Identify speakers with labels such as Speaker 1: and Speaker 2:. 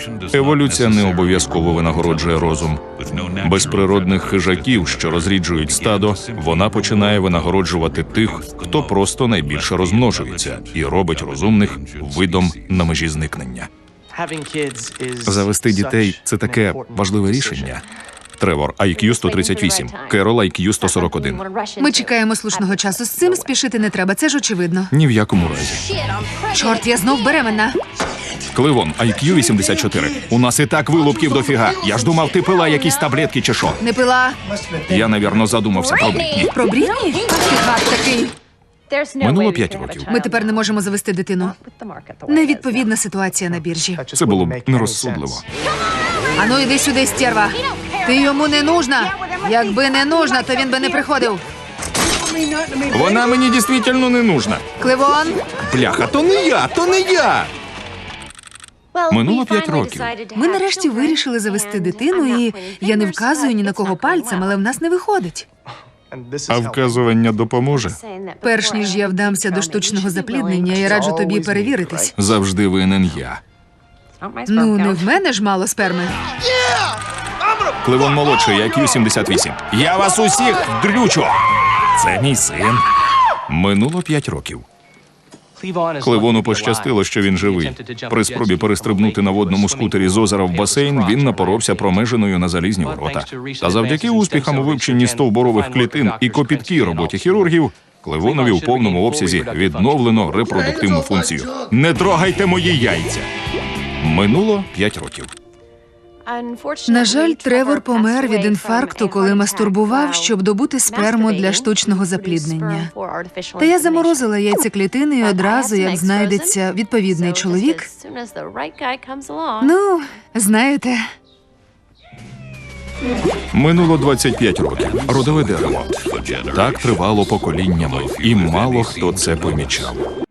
Speaker 1: Еволюція не обов'язково винагороджує розум. Без природних хижаків, що розріджують стадо, вона починає винагороджувати тих, хто просто найбільше розмножується і робить розумних видом на межі зникнення. Завести дітей – це таке важливе рішення. Тревор, IQ 138, Керол, IQ 141.
Speaker 2: Ми чекаємо слушного часу. З цим спішити не треба, це ж очевидно.
Speaker 1: Ні в якому разі.
Speaker 2: Чорт, я знов беременна.
Speaker 1: Кливон, IQ 84. У нас і так вилупків дофіга. Я ж думав, ти пила якісь таблетки чи що.
Speaker 2: Не пила.
Speaker 1: Я, навірно, задумався про Брітні.
Speaker 2: Про Брітні? Ти гад такий.
Speaker 1: Минуло 5 років.
Speaker 2: Ми тепер не можемо завести дитину. Невідповідна ситуація на біржі.
Speaker 1: Це було б нерозсудливо.
Speaker 2: Ану, іди сюди, стерва. Ти йому не нужна. Якби не нужна, то він би не приходив.
Speaker 1: Вона мені дійсно не нужна.
Speaker 2: Кливон.
Speaker 1: Бляха, то не я, то не я! Минуло 5 років.
Speaker 2: Ми нарешті вирішили завести дитину, і я не вказую ні на кого пальцем, але в нас не виходить.
Speaker 1: А вказування допоможе?
Speaker 2: Перш ніж я вдамся до штучного запліднення, я раджу тобі перевіритись.
Speaker 1: Завжди винен я.
Speaker 2: Ну, не в мене ж мало сперми.
Speaker 1: Кливон молодший, IQ 78. Я вас усіх дрючу! Це мій син. Минуло 5 років. Кливону пощастило, що він живий. При спробі перестрибнути на водному скутері з озера в басейн він напоровся промежиною на залізні ворота. Та завдяки успіхам у вивченні стовбурових клітин і копіткій роботі хірургів, Кливонові в повному обсязі відновлено репродуктивну функцію. Не трогайте мої яйця! Минуло 5 років.
Speaker 2: На жаль, Тревор помер від інфаркту, коли мастурбував, щоб добути сперму для штучного запліднення. Та я заморозила яйцеклітини і одразу, як знайдеться відповідний чоловік. Ну, знаєте,
Speaker 1: Минуло 25 років. Родове дерево. Так тривало поколіннями, і мало хто це помічав.